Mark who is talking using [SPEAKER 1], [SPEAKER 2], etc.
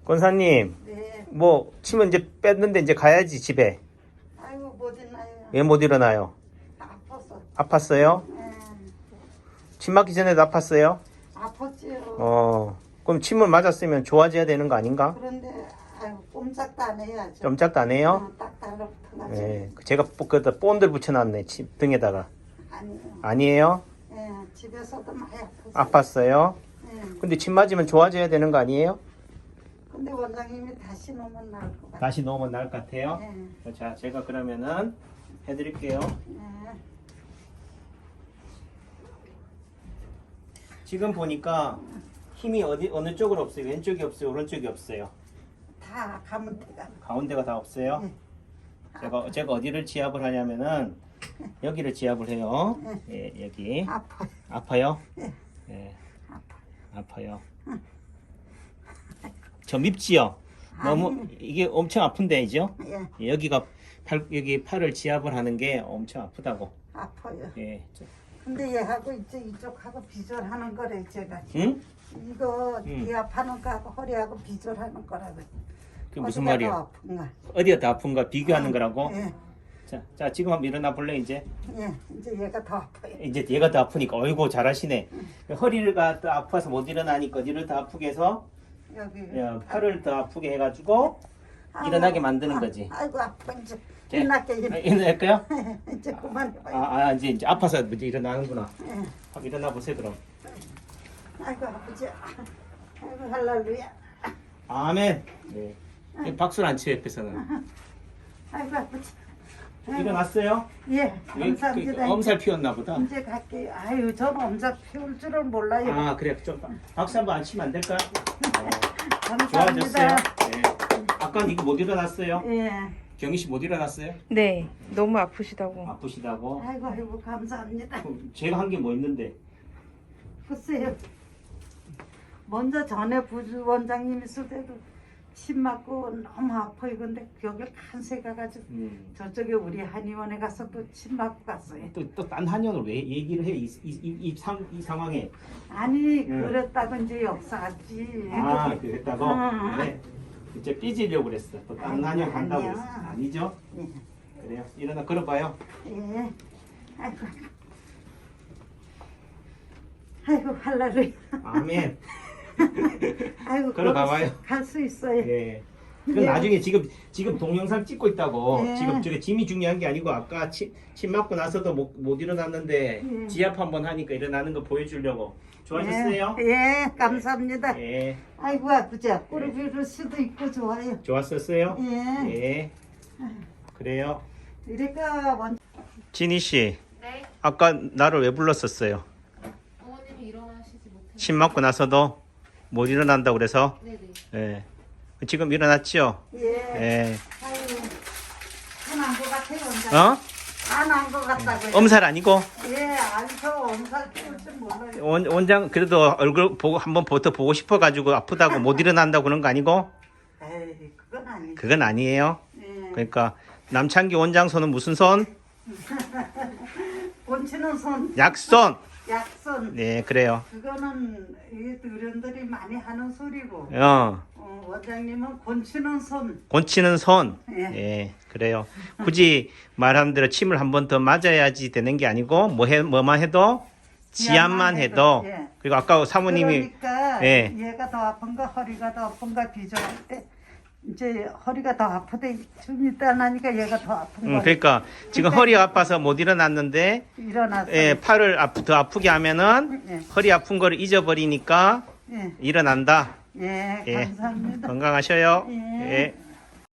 [SPEAKER 1] 권사님,
[SPEAKER 2] 네.
[SPEAKER 1] 뭐 침은 이제 뺐는데 이제 가야지 집에.
[SPEAKER 2] 아이고 못 일어나요.
[SPEAKER 1] 왜 못 일어나요?
[SPEAKER 2] 아파서.
[SPEAKER 1] 아팠어요?
[SPEAKER 2] 예.
[SPEAKER 1] 침 맞기 전에도 아팠어요?
[SPEAKER 2] 아팠지요.
[SPEAKER 1] 그럼 침을 맞았으면 좋아져야 되는 거 아닌가?
[SPEAKER 2] 그런데 아이고 꼼짝도 안 해야죠.
[SPEAKER 1] 쫌짝도 안 해요?
[SPEAKER 2] 딱 달라붙어가지고.
[SPEAKER 1] 예, 제가 그다 본들 붙여놨네 등에다가.
[SPEAKER 2] 아니요.
[SPEAKER 1] 아니에요?
[SPEAKER 2] 예. 집에서도 많이 아팠어요.
[SPEAKER 1] 아팠어요?
[SPEAKER 2] 예.
[SPEAKER 1] 근데 침 맞으면 좋아져야 되는 거 아니에요?
[SPEAKER 2] 근데 원장님이 다시 놓으면 나을 것 같아요.
[SPEAKER 1] 다시 놓으면 나을 것 같아요?
[SPEAKER 2] 예.
[SPEAKER 1] 자, 제가 그러면은 해드릴게요.
[SPEAKER 2] 예.
[SPEAKER 1] 지금 보니까 힘이 어느 쪽으로 없어요? 왼쪽이 없어요? 오른쪽이 없어요?
[SPEAKER 2] 다 가면 돼가.
[SPEAKER 1] 가운데가 다 없어요?
[SPEAKER 2] 네.
[SPEAKER 1] 제가 어디를 지압을 하냐면은 여기를 지압을 해요. 예, 여기.
[SPEAKER 2] 아파요.
[SPEAKER 1] 아파요?
[SPEAKER 2] 예.
[SPEAKER 1] 예,
[SPEAKER 2] 아파요.
[SPEAKER 1] 아파요. 저 밉지요? 너무 이게 엄청 아픈데이죠?
[SPEAKER 2] 예.
[SPEAKER 1] 여기가 여기 팔을 지압을 하는 게 엄청 아프다고.
[SPEAKER 2] 아파요.
[SPEAKER 1] 예.
[SPEAKER 2] 근데 얘하고 이쪽하고 비절하는 거래 제가.
[SPEAKER 1] 응?
[SPEAKER 2] 이거 이 아파하는 거하고 허리하고 비절하는 거라고.
[SPEAKER 1] 그게 무슨
[SPEAKER 2] 어디가
[SPEAKER 1] 말이야?
[SPEAKER 2] 더 아픈가?
[SPEAKER 1] 어디가 더 아픈가 비교하는 거라고?
[SPEAKER 2] 예.
[SPEAKER 1] 자, 지금 한번 일어나 볼래 이제?
[SPEAKER 2] 예. 이제 얘가 더 아파요.
[SPEAKER 1] 이제 얘가 더 아프니까 어이구 잘하시네. 허리가 더 아파서 못 일어나니까 어디를 더 아프게 해서
[SPEAKER 2] 여기.
[SPEAKER 1] 팔을 더 아프게 해가지고 일어나게 만드는 거지.
[SPEAKER 2] 아이고 아파 이제.
[SPEAKER 1] 예.
[SPEAKER 2] 일어날게
[SPEAKER 1] 일어날까요?
[SPEAKER 2] 이제 그만해봐요.
[SPEAKER 1] 이제 아파서 이제 일어나는구나.
[SPEAKER 2] 예.
[SPEAKER 1] 한번 일어나 보세요 그럼.
[SPEAKER 2] 아이고 아프지. 아이고 할렐루야.
[SPEAKER 1] 아멘. 네. 박수를 안 치요 옆에서는.
[SPEAKER 2] 아이고 아프지.
[SPEAKER 1] 일어났어요?
[SPEAKER 2] 예. 감사합니다.
[SPEAKER 1] 엄살 피웠나 보다.
[SPEAKER 2] 이제 갈게요. 아유 전 엄자 피울 줄은 몰라요.
[SPEAKER 1] 아 그래 좀 박수 한번 안 치면 안 될까?
[SPEAKER 2] 감사합니다.
[SPEAKER 1] 좋아졌어요? 네. 아까 이거 못 일어났어요?
[SPEAKER 2] 예.
[SPEAKER 1] 경희 씨 못 일어났어요?
[SPEAKER 3] 네, 너무 아프시다고.
[SPEAKER 1] 아프시다고?
[SPEAKER 2] 아이고 아이고 감사합니다.
[SPEAKER 1] 그럼 제가 한 게 뭐 있는데?
[SPEAKER 2] 글쎄요. 먼저 전에 부주 원장님 있을 때도 침 맞고 너무 아파요. 근데 여기 간세 가가지고 저쪽에 우리 한의원에 가서 또 침 맞고 갔어요.
[SPEAKER 1] 또 딴 한의원을 왜 얘기를 해? 이 상황에.
[SPEAKER 2] 아니 그랬다고 이제 역사지.
[SPEAKER 1] 아 그랬다고?
[SPEAKER 2] 응.
[SPEAKER 1] 네. 이제 삐지려고 그랬어. 또 딴 한의원 간다고
[SPEAKER 2] 아니야.
[SPEAKER 1] 그랬어. 아니죠?
[SPEAKER 2] 예.
[SPEAKER 1] 그래요. 일어나 걸어봐요.
[SPEAKER 2] 예. 아이고. 아이고 할렐루야.
[SPEAKER 1] 아멘.
[SPEAKER 2] 아이고
[SPEAKER 1] 걸어가봐요.
[SPEAKER 2] 갈 수 있어요.
[SPEAKER 1] 예. 그 나중에 지금 동영상 찍고 있다고.
[SPEAKER 2] 예.
[SPEAKER 1] 지금 저게 짐이 중요한 게 아니고 아까 침 맞고 나서도 못 일어났는데
[SPEAKER 2] 예.
[SPEAKER 1] 지압 한번 하니까 일어나는 거 보여주려고. 좋아졌어요?
[SPEAKER 2] 예, 감사합니다.
[SPEAKER 1] 예.
[SPEAKER 2] 아이고 아프지. 꼬리 비를 수도 있고 좋아요.
[SPEAKER 1] 좋았었어요?
[SPEAKER 2] 예.
[SPEAKER 1] 예. 그래요.
[SPEAKER 2] 이래가 먼저
[SPEAKER 1] 진희 씨,
[SPEAKER 3] 네,
[SPEAKER 1] 아까 나를 왜 불렀었어요?
[SPEAKER 3] 어머님이 일어나시지 못해.
[SPEAKER 1] 침 맞고 나서도 못 일어난다고 그래서.
[SPEAKER 3] 네네.
[SPEAKER 1] 예. 지금 일어났죠?
[SPEAKER 2] 예.
[SPEAKER 1] 예.
[SPEAKER 2] 아이고 안한것 같아요. 원장.
[SPEAKER 1] 어?
[SPEAKER 2] 안한것 같다고요.
[SPEAKER 1] 엄살 아니고?
[SPEAKER 2] 예, 아니죠. 엄살 피울 줄 몰라요.
[SPEAKER 1] 원장 그래도 얼굴 보고 한번 더 보고 싶어가지고 아프다고 못 일어난다고 그런 거 아니고?
[SPEAKER 2] 에이, 그건 아니죠.
[SPEAKER 1] 그건 아니에요.
[SPEAKER 2] 예.
[SPEAKER 1] 그러니까 남창기 원장 손은 무슨 손?
[SPEAKER 2] 본치는 손,
[SPEAKER 1] 약손.
[SPEAKER 2] 약손.
[SPEAKER 1] 네, 그래요.
[SPEAKER 2] 그거는 이 어른들이 많이 하는 소리고 원장님은 곤치는 손.
[SPEAKER 1] 곤치는 손.
[SPEAKER 2] 예.
[SPEAKER 1] 예, 그래요. 굳이 말한 대로 침을 한 번 더 맞아야지 되는 게 아니고 뭐만 해도 지압만 해도.
[SPEAKER 2] 예.
[SPEAKER 1] 그리고 아까 사모님이
[SPEAKER 2] 그러니까
[SPEAKER 1] 예.
[SPEAKER 2] 얘가 더 아픈가 허리가 더 아픈가 비교할 때 이제 허리가 더 아프대 좀 있다 나니까 얘가 더 아픈 거야.
[SPEAKER 1] 그러니까 지금 허리가 아파서 못 일어났는데
[SPEAKER 2] 일어났어.
[SPEAKER 1] 예, 팔을 더 아프게 하면은
[SPEAKER 2] 예.
[SPEAKER 1] 허리 아픈 거를 잊어버리니까
[SPEAKER 2] 예.
[SPEAKER 1] 일어난다.
[SPEAKER 2] 예,
[SPEAKER 1] 예.
[SPEAKER 2] 감사합니다.
[SPEAKER 1] 건강하셔요.
[SPEAKER 2] 예.
[SPEAKER 1] 예.